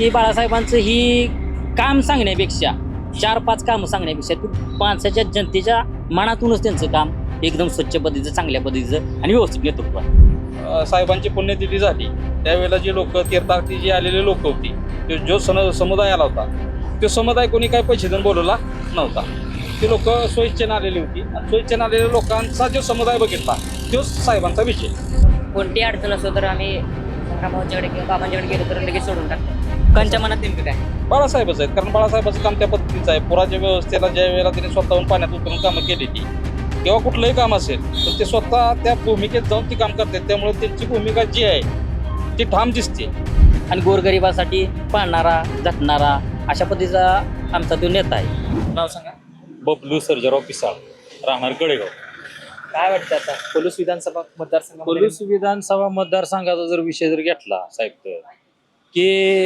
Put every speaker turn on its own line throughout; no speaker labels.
की बाळासाहेबांचं ही काम सांगण्यापेक्षा 4-5 कामं सांगण्यापेक्षा ती माणसाच्या जनतेच्या मनातूनच त्यांचं काम एकदम स्वच्छ पद्धतीचं, चांगल्या पद्धतीचं आणि व्यवस्थित नेतृत्व आहे.
साहेबांची पुण्यतिथी झाली त्यावेळेला जे लोक तीर्थार्थी जे आलेले लोक होती ते जो समुदाय आला होता तो समुदाय कोणी काही पैसे देऊन बोलवला नव्हता. ते लोक स्वेच्छेने आलेली होती आणि स्वेच्छेने आलेल्या लोकांचा जो समुदाय बघितला तो साहेबांचा विषय.
कोणती अडचण असो तर आम्ही संग्रामांच्याकडे किंवा बाबांच्याकडे गेलो तर लगेच सोडून टाकतो. लोकांच्या मनात नेमकं काय?
बाळासाहेबच आहेत, कारण बाळासाहेबाचं काम त्या पद्धतीचं आहे. पुराच्या व्यवस्थेला ज्या वेळेला त्यांनी स्वतःहून पाण्यात उतरून कामं केली ती किंवा कुठलंही काम असेल तर ते स्वतः त्या भूमिकेत जाऊन ती काम करतात. त्यामुळे त्यांची भूमिका जी आहे ती ठाम दिसते.
आणि गोरगरिबासाठी पाळणारा, झटणारा अशा पद्धतीचा आमचा तो नेता आहे.
नाव सांगा.
बबलू सर्जेराव पिसाळ, राहणार कडेगाव.
काय वाटतं आता पलूस विधानसभा मतदारसंघामध्ये?
पलूस विधानसभा मतदारसंघाचा जर विषय जर घेतला साहेब तर की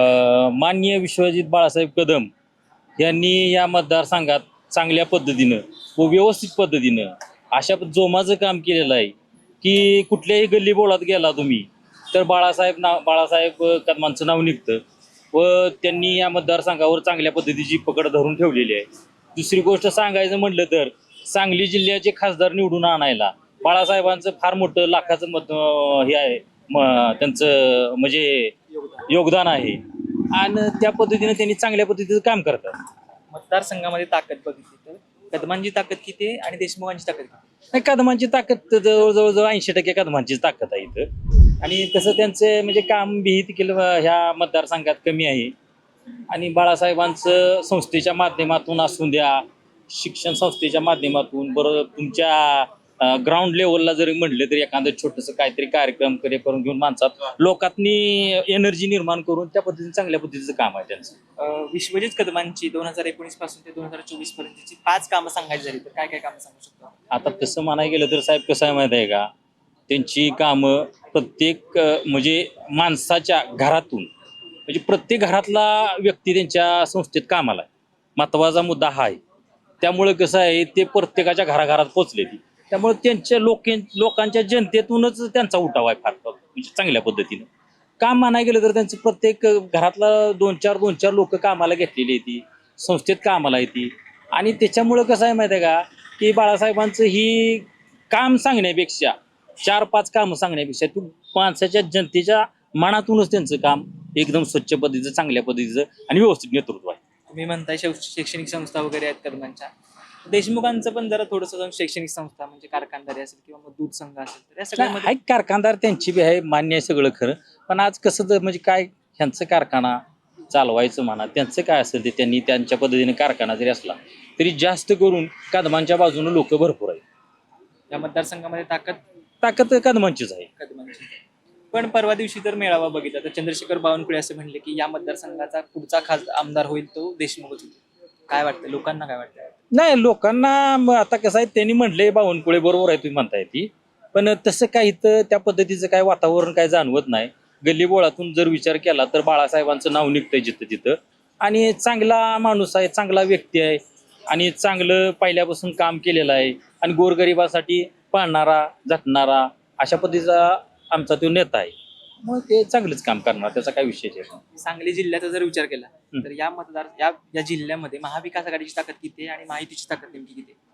माननीय विश्वजित बाळासाहेब कदम यांनी या मतदारसंघात चांगल्या पद्धतीनं व व्यवस्थित पद्धतीनं अशा जोमाचं काम केलेलं आहे की कुठल्याही गल्ली बोळात गेला तुम्ही तर बाळासाहेब कदमांचं नाव निघतं व त्यांनी या मतदारसंघावर चांगल्या पद्धतीची पकड धरून ठेवलेली आहे. दुसरी गोष्ट सांगायचं म्हटलं तर सांगली जिल्ह्याचे खासदार निवडून आणायला बाळासाहेबांचं फार मोठं लाखाचं हे आहे त्यांचं म्हणजे योगदान आहे आणि त्या पद्धतीने त्यांनी चांगल्या पद्धतीचं काम करतात.
मतदारसंघामध्ये ताकद बघितली तर कदमांची ताकद किती आहे आणि देशमुखांची ताकद किती?
नाही, कदमांची ताकद जवळजवळ 80% कदमांचीच ताकद आहे इथं आणि तसं त्यांचं म्हणजे काम विहित केलं ह्या मतदारसंघात कमी आहे. आणि बाळासाहेबांचं संस्थेच्या माध्यमातून असून द्या, शिक्षण संस्थेच्या माध्यमातून बरोबर तुमच्या ग्राउंड लेवलला जरी म्हटलं तरी एखादं छोटंसं काहीतरी कार्यक्रम करून घेऊन माणसात लोकांनी एनर्जी निर्माण करून त्या पद्धतीने चांगल्या पद्धतीचं काम आहे त्यांचं.
विश्वजित कदमांची 2019 पासून ते 2024 पर्यंतची 5 कामं सांगायची झाली तर काय काय कामं सांगू शकतो?
आता तसं म्हणायला गेलं तर साहेब कसं आहे माहीत आहे का, त्यांची कामं प्रत्येक म्हणजे माणसाच्या घरातून म्हणजे प्रत्येक घरातला व्यक्ती त्यांच्या संस्थेत कामाला आहे. महत्त्वाचा मुद्दा हा आहे. त्यामुळे कसं आहे ते प्रत्येकाच्या घराघरात पोचले ती त्यामुळे त्यांच्या लोकांच्या जनतेतूनच त्यांचा उठाव आहे फार म्हणजे चांगल्या पद्धतीनं. काम म्हणायला गेलं तर त्यांचं प्रत्येक घरातला 2-4 लोक कामाला घेतलेली आहे ती संस्थेत कामाला येते आणि त्याच्यामुळं कसं आहे माहिती आहे का की बाळासाहेबांचं ही काम सांगण्यापेक्षा 4-5 कामं सांगण्यापेक्षा ती माणसाच्या जनतेच्या मनातूनच त्यांचं काम एकदम स्वच्छ पद्धतीचं, चांगल्या पद्धतीचं आणि व्यवस्थित नेतृत्व आहे.
तुम्ही म्हणताय शैक्षणिक संस्था वगैरे आहेत कदमांच्या. देशमुखांचं पण जरा थोडंसं शैक्षणिक संस्था म्हणजे कारखानदारी असेल किंवा मग दूध संघ असेल तर या सगळ्यामध्ये
आहे कारखानदार त्यांची बी आहे, मान्य आहे सगळं खरं. पण आज कसं तर म्हणजे काय ह्यांचं कारखाना चालवायचं म्हणा त्यांचं काय असेल ते त्यांनी त्यांच्या पद्धतीने कारखाना जरी असला तरी जास्त करून कदमांच्या बाजूने लोक भरपूर आहेत.
या मतदारसंघामध्ये
ताकद कदमांचीच आहे.
कदमांची. पण परवा दिवशी तर मेळावा बघितला तर चंद्रशेखर बावनकुळे असं म्हणले की या मतदारसंघाचा पुढचा आमदार होईल तो देशमुखच होईल. काय वाटतं लोकांना, काय वाटतं?
नाही, लोकांना आता कसं आहे त्यांनी म्हटलंय बावनकुळे बरोबर आहे तुम्ही म्हणताय ती, पण तसं काही तर त्या पद्धतीचं काय वातावरण काय जाणवत नाही. गल्लीबोळातून जर विचार केला तर बाळासाहेबांचं नाव निघतंय जिथं तिथं आणि चांगला माणूस आहे, चांगला व्यक्ती आहे आणि चांगलं पहिल्यापासून काम केलेलं आहे आणि गोरगरिबासाठी पाळणारा, झटणारा अशा पद्धतीचा आमचा तो नेता आहे. मग ते चांगलंच काम करणार, त्याचा काही विषय नाही.
सांगली जिल्ह्याचा जर विचार केला तर या जिल्ह्यामध्ये महाविकास आघाडीची ताकद किती आहे आणि माहितीची ताकद नेमकी किती आहे?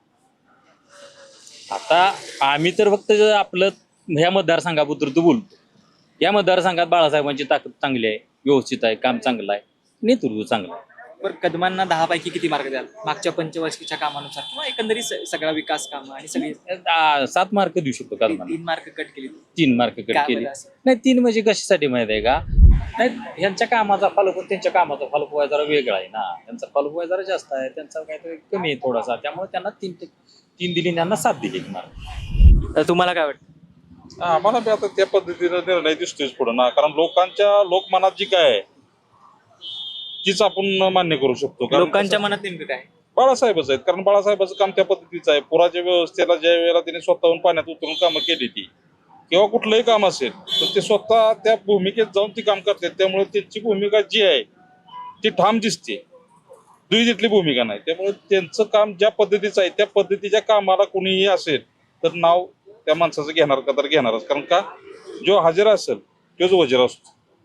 आता आम्ही तर फक्त आपलं ह्या मतदारसंघाबद्दल बोलतो. या मतदारसंघात बाळासाहेबांची ताकद चांगली आहे, व्यवस्थित आहे, काम चांगलं आहे, नेतृत्व चांगलं आहे.
बरं, कदमांना 10 पैकी किती मार्क द्याल मागच्या पंचवार्षिकच्या कामानुसार किंवा एकंदरीत सगळा विकास कामं आणि सगळी?
7 मार्क देऊ शकतो का तुम्हाला?
3 मार्क कट केली.
3 मार्क कट
काय
केले.
बरं असं?
नाही, 3 म्हणजे कशासाठी माहित आहे का, नाही ह्यांच्या कामाचा फॉलोअप त्यांच्या कामाचा फॉलोअप व्हायला जरा वेगळा आहे ना, त्यांचा फॉलोअप व्हायला जरा जास्त आहे, त्यांचा काहीतरी कमी आहे थोडासा, त्यामुळे त्यांना 3 दिली, त्यांना 7 दिली मार्क.
तर तुम्हाला काय वाटतं?
आम्हाला बी आता त्या पद्धतीने निर्णय दिसतोच पुढं ना, कारण लोकमनात जी काय आहे तीच आपण मान्य करू शकतो. कारण
लोकांच्या मनात नेमकं काय?
बाळासाहेबच आहेत, कारण बाळासाहेबाचं काम त्या पद्धतीचं आहे. पुराच्या व्यवस्थेला ज्या वेळेला त्यांनी स्वतःहून पाण्यात उतरून कामं केली ती किंवा कुठलंही काम असेल तर ते स्वतः त्या भूमिकेत जाऊन ती काम करतात. त्यामुळे त्यांची भूमिका जी आहे ती ठाम दिसते, दुई भूमिका नाही. त्यामुळे त्यांचं काम ज्या पद्धतीचं आहे त्या पद्धतीच्या कामाला कोणीही असेल तर नाव त्या माणसाचं घेणार का तर घेणारच, कारण का जो हजर असेल तोच वजीर असतो.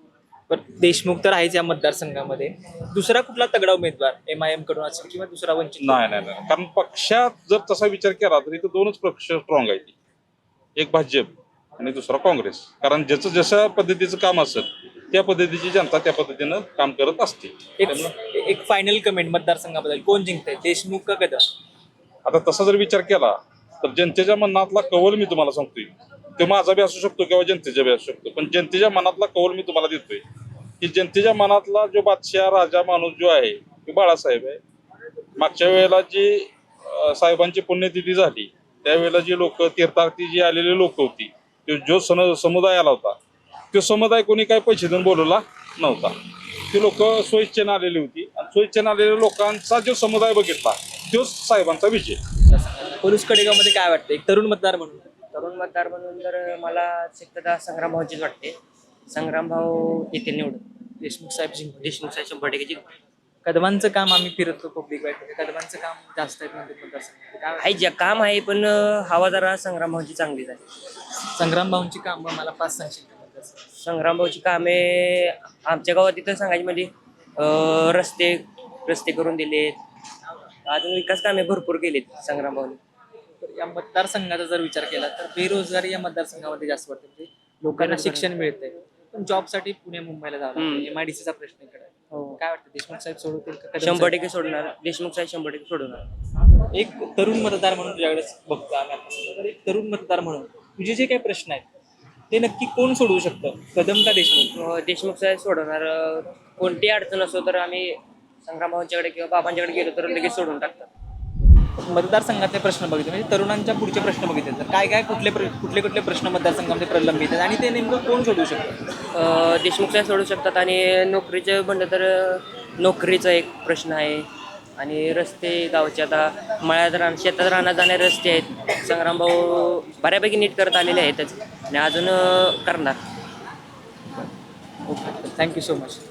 पण देशमुख तर आहेच या मतदारसंघामध्ये. दुसरा कुठला तगडा उमेदवार MIM कडून असेल किंवा दुसरा वंचित?
नाही कारण पक्षात जर तसा विचार केला तर इथं दोनच पक्ष स्ट्रॉंग आहेत, एक भाजप आणि दुसरा काँग्रेस. कारण ज्याचं जशा पद्धतीचं काम असेल त्या पद्धतीची जनता त्या पद्धतीनं काम करत असते.
एक फायनल कमेंट मतदारसंघाबद्दल, कोण जिंकतंय, देशमुख का कदम?
आता तसा जर विचार केला तर जनतेच्या मनातला कौल मी तुम्हाला सांगतोय, तो माझा बी असू शकतो किंवा जनतेचा बी असू शकतो, पण जनतेच्या मनातला कौल मी तुम्हाला देतोय की जनतेच्या मनातला जो बादशाह राजा माणूस जो आहे तो बाळासाहेब आहे. मागच्या वेळेला जी साहेबांची पुण्यतिथी झाली त्यावेळेला जी लोक तीर्थार्थी जी आलेली लोक होती, तो जो समुदाय आला होता तो समुदाय कोणी काही पैसे देऊन बोलवला नव्हता. ती लोक स्वइच्छेने आलेली होती आणि स्वइच्छेने आलेल्या लोकांचा जो समुदाय बघितला तोच साहेबांचा विजय.
पोलीस कडेगावमध्ये काय वाटतं एक तरुण मतदार म्हणून?
तरुण मतदार म्हणून तर मला शक्यता संग्राम भाऊचीच वाटते. संग्राम भाऊ येतील निवडून.
देशमुख साहेब जिंक.
देशमुख साहेब 100% जिंकतील.
कदमांचं काम आम्ही फिरतो पब्लिक वाईट, कदमांचं काम जास्त आहे म्हणते मतदारसंघामध्ये. काय
आहे जे काम आहे पण हवा जरा संग्राम भाऊची चांगलीच आहे.
संग्राम भाऊंची कामं मला 5 सांगशील का मतदारसंघात?
संग्राम भाऊची कामे आमच्या गावात इथं सांगायची म्हणजे रस्ते करून दिलेत, अजून विकास कामे भरपूर केलीत संग्राम भाऊने.
तर या मतदारसंघाचा जर विचार केला तर बेरोजगारी या मतदारसंघामध्ये जास्त वाटते. म्हणजे लोकांना शिक्षण मिळतंय पण जॉबसाठी पुणे मुंबईला जावं लागतं. MIDCचा प्रश्न इकडे आहे.
हो.
काय वाटतं देशमुख साहेब सोडवतील का कदम
100% सोडणार. देशमुख साहेब 100% सोडवणार.
साहेब? एक तरुण मतदार म्हणून तुझ्याकडे बघतो आम्ही आता. तर एक तरुण मतदार म्हणून तुझे जे काही प्रश्न आहेत ते नक्की कोण सोडवू शकतं, कदम का देशमुख?
देशमुख साहेब सोडवणार. कोणती अडचण असो तर आम्ही संग्राम भाऊंच्याकडे किंवा बाबांच्याकडे गेलो तर लगेच सोडून टाकतात.
मतदारसंघातले प्रश्न बघितले म्हणजे तरुणांच्या पुढचे प्रश्न बघितले तर काय कुठले प्रश्न मतदारसंघामध्ये प्रलंबित आहेत आणि ते नेमकं कोण सोडवू शकतं?
देशमुख साहेब सोडू शकतात. आणि नोकरीचं म्हणलं तर नोकरीचा एक प्रश्न आहे आणि रस्ते गावचे आता मळ्यात शेतात राहण्यात जाणारे रस्ते आहेत. संग्राम भाऊ बऱ्यापैकी नीट करत आलेले आहेतच आणि अजून करणार.
Okay, thank you so much.